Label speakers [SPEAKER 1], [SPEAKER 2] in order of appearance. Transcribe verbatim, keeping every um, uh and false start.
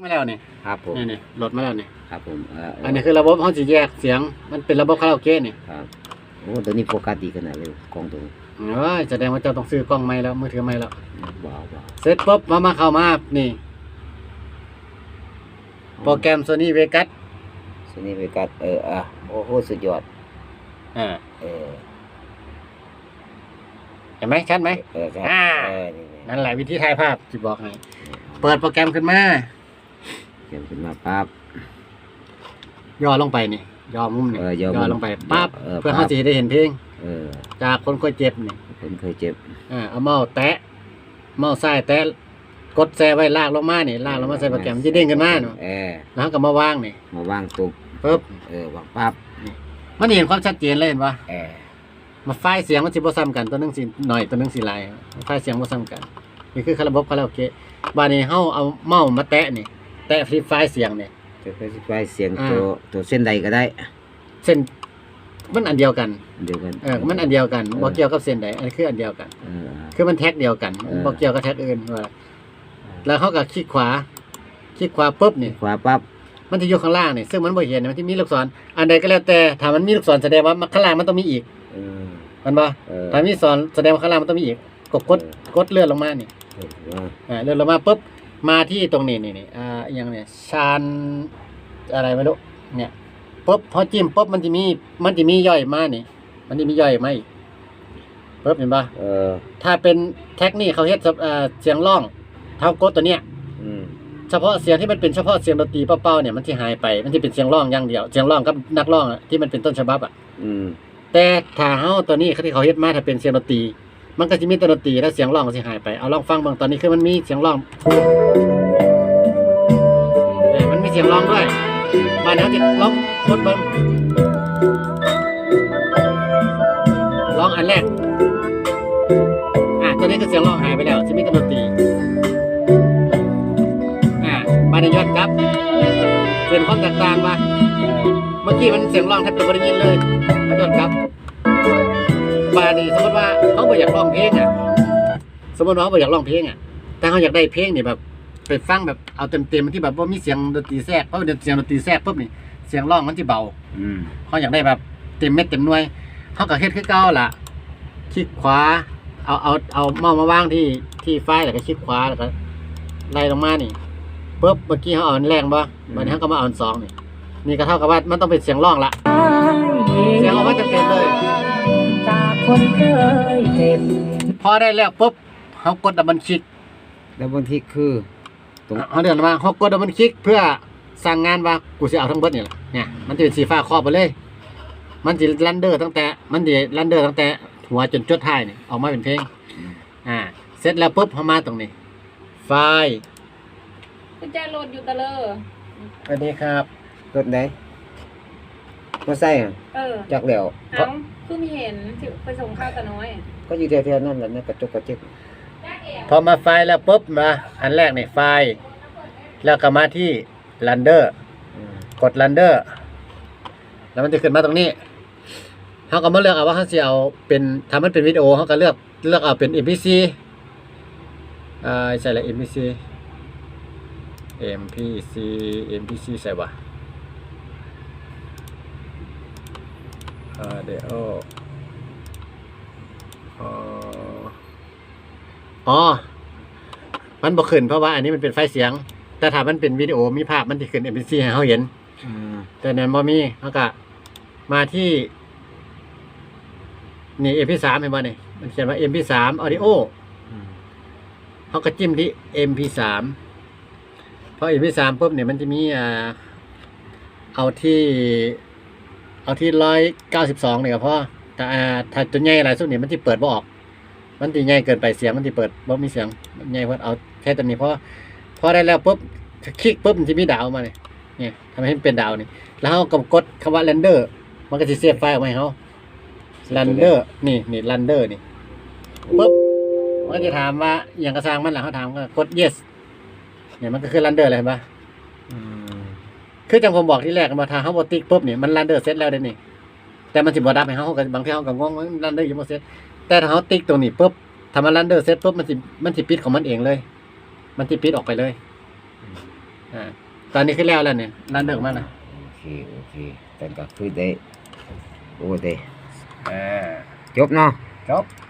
[SPEAKER 1] มาแล้วนี่
[SPEAKER 2] ครับผม
[SPEAKER 1] นี่นี่โหลดมาแล้วนี่
[SPEAKER 2] ครับผมเอ่อ
[SPEAKER 1] อันนี้คือระบบเขาจะแยกเสียงมันเป็นระบบคาราโอเกะนี่
[SPEAKER 2] ครับโอ้ตัวนี้โฟกัสดีขนาดเลยกล้องตัวนี้
[SPEAKER 1] เอ้ยแสดงว่าเจ้าต้องซื้อกล้องใหม่แล้วมือถือใหม่แล้ว
[SPEAKER 2] ว้าวว้าว
[SPEAKER 1] เสร็จปุ๊บมามาเข้ามานี่โปรแกรม Sony Vegas
[SPEAKER 2] โซนี่เวกัสเอออ่ะโอ้โหสุดยอด
[SPEAKER 1] อ่า
[SPEAKER 2] เออ
[SPEAKER 1] เห็นไหมชัดไหม
[SPEAKER 2] เออครับ
[SPEAKER 1] อ่า
[SPEAKER 2] เออนี่
[SPEAKER 1] นั่นแหละวิธีถ่ายภาพที่บอกให้เปิดโปรแกรมขึ้นมา
[SPEAKER 2] เขียนขึ้นมาปั๊บ
[SPEAKER 1] ย่อลงไปนี่ย่อมุมนี่
[SPEAKER 2] เออย่อมุม
[SPEAKER 1] ลงไปปั๊บ
[SPEAKER 2] เออ
[SPEAKER 1] เพื่อ
[SPEAKER 2] ปั๊
[SPEAKER 1] เขา
[SPEAKER 2] บ
[SPEAKER 1] จะได้เห็นเพลง
[SPEAKER 2] เออ
[SPEAKER 1] จากคนเคยเจ็บนี่
[SPEAKER 2] ผมเคยเจ็บ
[SPEAKER 1] อ่าเอาเมาส์แตะเมาส์ซ้ายแตะกดแซ่ไว้ลากลงมานี่ลากลงมาใส่โปรแกรมจะเด้งขึ้นมาเนาะ
[SPEAKER 2] เออ
[SPEAKER 1] แล้วก็มาวางนี่
[SPEAKER 2] มาวางตุ๊บ
[SPEAKER 1] ปึ๊บ
[SPEAKER 2] เออวางปั๊บ
[SPEAKER 1] มันเห็นความชัดเจนเลยเห็นปะ
[SPEAKER 2] เออ
[SPEAKER 1] มาไฟล์เสียงมันสิบ่ซ้ำกันตัวหนึงสิหน่อยตัวหนึงสิหลายไฟล์เสียงบ่ซ้ำกันนี่คือระบบคาราโอเกะบาดนี้เฮาเอาเมาส์มาแตะนี่แตะที่ไฟล์เสียงนี่
[SPEAKER 2] จะไปสิไปเสียง
[SPEAKER 1] อ่า
[SPEAKER 2] ตัวตัวเส้นใดก็ได้
[SPEAKER 1] เส้นมันอันเดียวกัน
[SPEAKER 2] เดียวกัน
[SPEAKER 1] เออมันอันเดียวกันบ่เกี่ยวกับเส้นใดอันนี้คืออันเดียวกัน
[SPEAKER 2] เออ
[SPEAKER 1] คือมันแท็กเดียวกัน
[SPEAKER 2] เออ
[SPEAKER 1] บ่เกี่ยวกับแท็กอื่นว่าแล้วเขาก็คลิกขวาคลิกขวาปุ๊บนี่
[SPEAKER 2] ขวาปั๊บ
[SPEAKER 1] มันจะอยู่ข้างล่างนี่ซึ่งมันบ่เห็นมันที่มีลูกศรอันใดก็แล้วแต่ถ้ามันมีลูกศรแสดงว่าข้างล่างมันต้องมีอีก
[SPEAKER 2] เออ
[SPEAKER 1] มันบ่
[SPEAKER 2] เออ
[SPEAKER 1] ถ้ามีศรแสดงว่าข้างล่างมันต้องมีอีกกดกดกดเลื่อนลงมานี่
[SPEAKER 2] เออว่า
[SPEAKER 1] อ่าเลื่อนลงมาปุ๊บมาที่ตรงนี้นี่นี่อ่าอหยังเนี่ยชานอะไรไม่รู้เนี่ยปุ๊บพอจิ้มปุ๊บมันจะมีมันจะมีย่อยมานี่ มันจะมีย่อยมาอีกปุ๊บเห็นป่ะ
[SPEAKER 2] เออ
[SPEAKER 1] ถ้าเป็นแท็กนี่เขาเฮ็ดสำอ่าเสียงร้องเท่ากดตัวเนี้ย
[SPEAKER 2] อืม
[SPEAKER 1] เฉพาะเสียงที่มันเป็นเฉพาะเสียงดนตรีเป้าๆเนี่ยมันจะหายไปมันจะเป็นเสียงร้องอย่างเดียวเสียงร้องกับนักร้องอะที่มันเป็นต้นฉบับอ่ะ
[SPEAKER 2] อืม
[SPEAKER 1] แต่ถ้าเฮาตัวนี้ที่เขาเฮ็ดมาถ้าเป็นเสียงดนตรีมันก็จะมีแต่ดนตรีแล้วเสียงร้องก็สิหายไปเอาลองฟังเบิ่งตอนนี้คือมันมีเสียงร้องเอ้ยมันมีเสียงร้องด้วยมาเดี๋ยวจะลองกดเบิ่งร้องอันแรกอ่ะตัวนี้ก็เสียงร้องหายไปแล้วจะมีแต่ดนตรีอ่ะมาในยอดครับเป็นความแตกต่างว่าเมื่อกี้มันเสียงร้องแทบจะไม่ได้ยินเลยมายอดครับบานี่สมมติว่าเขาบ่อยากร้องเพลงอ่ะสมมติว่าเขาบ่อยากร้องเพลงอ่ะแต่เขาอยากได้เพลงนี่แบบไปฟังแบบเอาเต็มๆที่แบบว่ามีเสียงดนตรีแทรกเพราะเสียงดนตรีแทรกปุ๊บนี่เสียงร้องมันจะเบา
[SPEAKER 2] อืม
[SPEAKER 1] เขาอยากได้แบบเต็มเม็ดเต็มหน่วยเขาก็เฮ็ดคือเก่าล่ะคลิกขวาเอาเอาเอาเมาส์มาวางที่ที่ไฟล์แล้วก็คลิกขวาแล้วก็ไล่ลงมานี่ปุ๊บเมื่อกี้เขาเอาอันแรงบ่วันนี้เขาก็มาเอาอันสองนี่นี่ก็เท่ากับว่ามันต้องเป็นเสียงร้องละเสียงออกมาเต็มๆเลย
[SPEAKER 3] จากคนเคยเจ็บ
[SPEAKER 1] พอได้แล้วปุ๊บเขากดดับเบิลคลิก
[SPEAKER 2] แล้วบางทีคือตรง
[SPEAKER 1] เขาเดินมาเขากดดับเบิลคลิกเพื่อสั่งงานว่ากูจะเอาทั้งเบิดนี่แหละเนี่ยมันจะเป็นสีฟ้าครอบไปเลย มันจะรันเดอร์ตั้งแต่มันจะรันเดอร์ตั้งแต่หัวจนจดท้ายนี่ออกมาเป็นเพลงอ่าเสร็จแล้วปุ๊บเขามาตรงนี้ ไฟล์
[SPEAKER 4] กุญแจรถอยู่ตะเลอ
[SPEAKER 1] สวัสดีครับ
[SPEAKER 2] รถไหนมาใส่อ่ะ
[SPEAKER 4] เออ
[SPEAKER 2] จักแล้ว
[SPEAKER 4] เอ้าคือมีเห็นสิไปส่งข้าวตะน้อย
[SPEAKER 2] ก็อยู่แถวๆนั้นแหละนะกระจกกระจิก
[SPEAKER 1] พอมาไฟล์แล้วปุ๊บมาอันแรกนี่ไฟล์แล้วก็มาที่รันเดอร์
[SPEAKER 2] อืม
[SPEAKER 1] กดรันเดอร์แล้วมันจะขึ้นมาตรงนี้เขาก็มาเลือกเอาว่าเขาจะเอาเป็นทำมันเป็นวิดีโอเขาก็เลือกเลือกเอาเป็น เอ็ม พี ซี อ่าใช่แล้ว เอ็ม พี ซี เอ็ม พี ซี เอ็ม พี ซี ใส่วะอ่าเดี๋ยวอ๋ออ๋อมันบ่ขึ้นเพราะว่าอันนี้มันเป็นไฟล์เสียง แต่ถ้ามันเป็นวิดีโอมีภาพมันจะขึ้น เอ็ม พี ซี ให้เขาเห็น
[SPEAKER 2] อืม
[SPEAKER 1] แต่เนี่ยบ่มีเขาก็มาที่นี่ เอ็ม พี สาม เห็นบ่นี่มันเขียนว่า เอ็ม พี สาม Audio
[SPEAKER 2] อืม
[SPEAKER 1] เขาก็จิ้มที่ เอ็ม พี สาม พอ เอ็ม พี สาม ปุ๊บเนี่ยมันจะมีอ่าเอาที่เอาที่ร้อยเก้าสิบสองเนี่ยก็พอแต่อ่าถ้าตัวใหญ่หลายสุดเนี่ยมันจะเปิดบ่ออก มันจะใหญ่เกินไปเสียงมันจะเปิดบ่มีเสียงใหญ่เพิ่นเอาแค่ตัวนี้พอพอได้แล้วปุ๊บคลิกปุ๊บมันจะมีดาวมาเนี่ยเนี่ยทำให้มันเป็นดาวนี่แล้วเขาก็กดคำว่า render มันก็จะเซฟไฟล์ออกมาให้เขา render นี่นี่ render นี่ปุ๊บมันก็จะถามว่าอย่างกระซังมันหลังเขาถามก็กด yes เนี่ยมันก็คือ render เลยเห็นปะ
[SPEAKER 2] อืม
[SPEAKER 1] คือจังผมบอกที่แรกมาทางเขาบอติ๊กปุ๊บเนี่ยมัน render เสร็จแล้วเด้นี่แต่มันสิบ่ดับให้เขาก็บางทีเขาก็งงว่า render ยังบ่เสร็จแต่ถ้าเขาติ๊กตรงนี้ปุ๊บถ้ามัน render เสร็จปุ๊บมันสิมันสิปิดของมันเองเลย มันสิปิดออกไปเลยอ่าตอนนี้ขึ้นแล้วแล้วเนี่ยร้านเดิมมาแล้ว
[SPEAKER 2] โอเคโอเคแต่ก็คือได้โอ้ได้
[SPEAKER 1] อ่า
[SPEAKER 2] จบเนาะ
[SPEAKER 1] จบ